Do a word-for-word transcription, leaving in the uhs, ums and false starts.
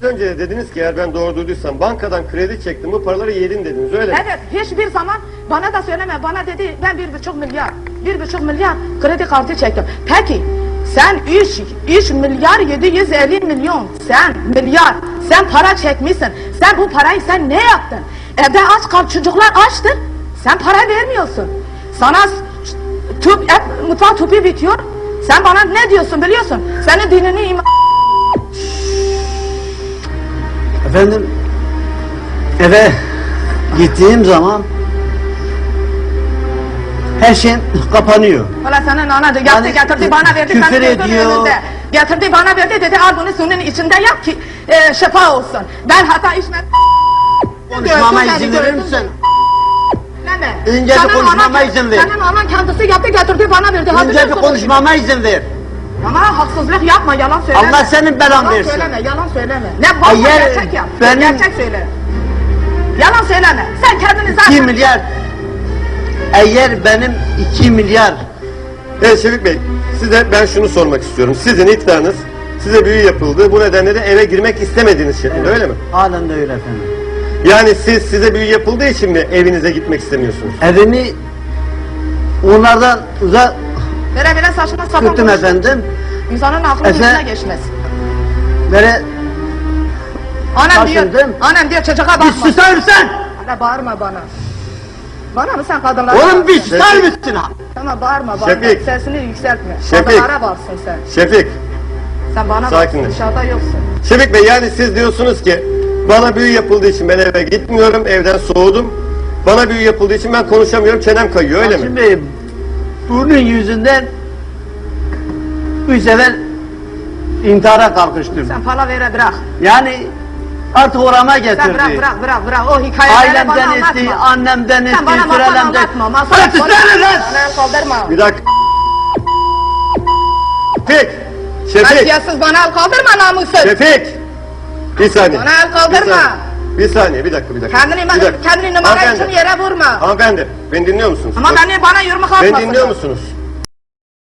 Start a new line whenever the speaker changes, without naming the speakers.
Önce de dediniz ki eğer ben doğru duyduysam bankadan kredi çektim, bu paraları yedin dediniz, öyle mi?
Evet, hiçbir zaman bana da söyleme, bana dedi ben bir buçuk milyar, bir buçuk milyar kredi kartı çektim. Peki, sen üç, üç milyar yedi yüz elli milyon, sen milyar, sen para çekmişsin. Sen bu parayı sen ne yaptın? Evde aç kal, çocuklar açtır. Sen para vermiyorsun. Sana tüp, et, mutfak tüpü bitiyor. Sen bana ne diyorsun biliyorsun? Senin dinini iman...
Efendim, eve gittiğim zaman her şey kapanıyor.
Valla senin ana yaptı,
Yani,
getirdi bana verdi,
küfür
senin gözünün
ediyor.
önünde. Getirdi bana verdi, dedi al bunu suyun içinde yap ki e, şifa olsun. Ben hata içmem.
Konuşmama izin verir misin?
Deme.
Önce bir konuşmama izin ver.
Senin anan kendisi yaptı, getirdi bana verdi. Ha,
Önce bir
biliyorsun
konuşmama izin ver.
ama haksızlık yapma, yalan söyleme.
Allah senin belan
yalan
versin.
söyleme, yalan söyleme. Ne varsa
Eğer
gerçek yap.
benim-
Gerçek söyle. Yalan söyleme. Sen kendini zaten...
iki milyar. Eğer benim iki milyar.
Evet Şefik Bey, size ben şunu sormak istiyorum. Sizin iddianız, size büyü yapıldı, bu nedenle de eve girmek istemediğiniz şeklinde, öyle mi?
Halen de öyle efendim.
Yani siz, size büyü yapıldığı için mi evinize gitmek istemiyorsunuz?
Evimi onlardan uzak
Böyle böyle saçma sapan
tuttum
konuş.
efendim.
İnsanın aklı
Efe-
yüzüne geçmez.
Böyle
Annem diyor,
taşındım.
annem diyor çocuğa bakma.
bir susar mısın?
Hala bağırma bana. Bana mı sen kadınlara?
Oğlum bir
bağırsın?
susar mısın?
Tamam bağırma bağırma.
Şefik.
Sesini yükseltme.
Şefik.
Kadınlara bağırsın sen.
Şefik,
Sen bana
Sakinleş.
bağırsın, dışarıda yoksun.
Şefik Bey, yani siz diyorsunuz ki bana büyü yapıldığı için ben eve gitmiyorum, evden soğudum. Bana büyü yapıldığı için ben konuşamıyorum, çenem kayıyor, öyle mi?
Şimdi bunun yüzünden üç sefer intihara kalkıştım.
Sen palavere bırak.
Yani artık orama
Sen
getirdi.
bırak bırak bırak bırak. O hikayeleri bana
Ailemden
anlatma.
etti, annemden etti,
Sen bana masal
sürelemden.
anlatma. Masal
Bırak susana lan!
Bana el kaldırma.
Bir dakika. Şefik! Şefik!
Kasiyatsız bana el kaldırma namussuz.
Şefik! Bir saniye.
Bana el kaldırma.
Bir saniye, bir, saniye, bir dakika, bir dakika.
Kendini,
Bir dakika.
kendini numara
Hanımefendi,
için yere vurma.
Hanımefendi, beni dinliyor musunuz?
Ama
Bak,
beni bana yürümek atmasın.
beni dinliyor musunuz?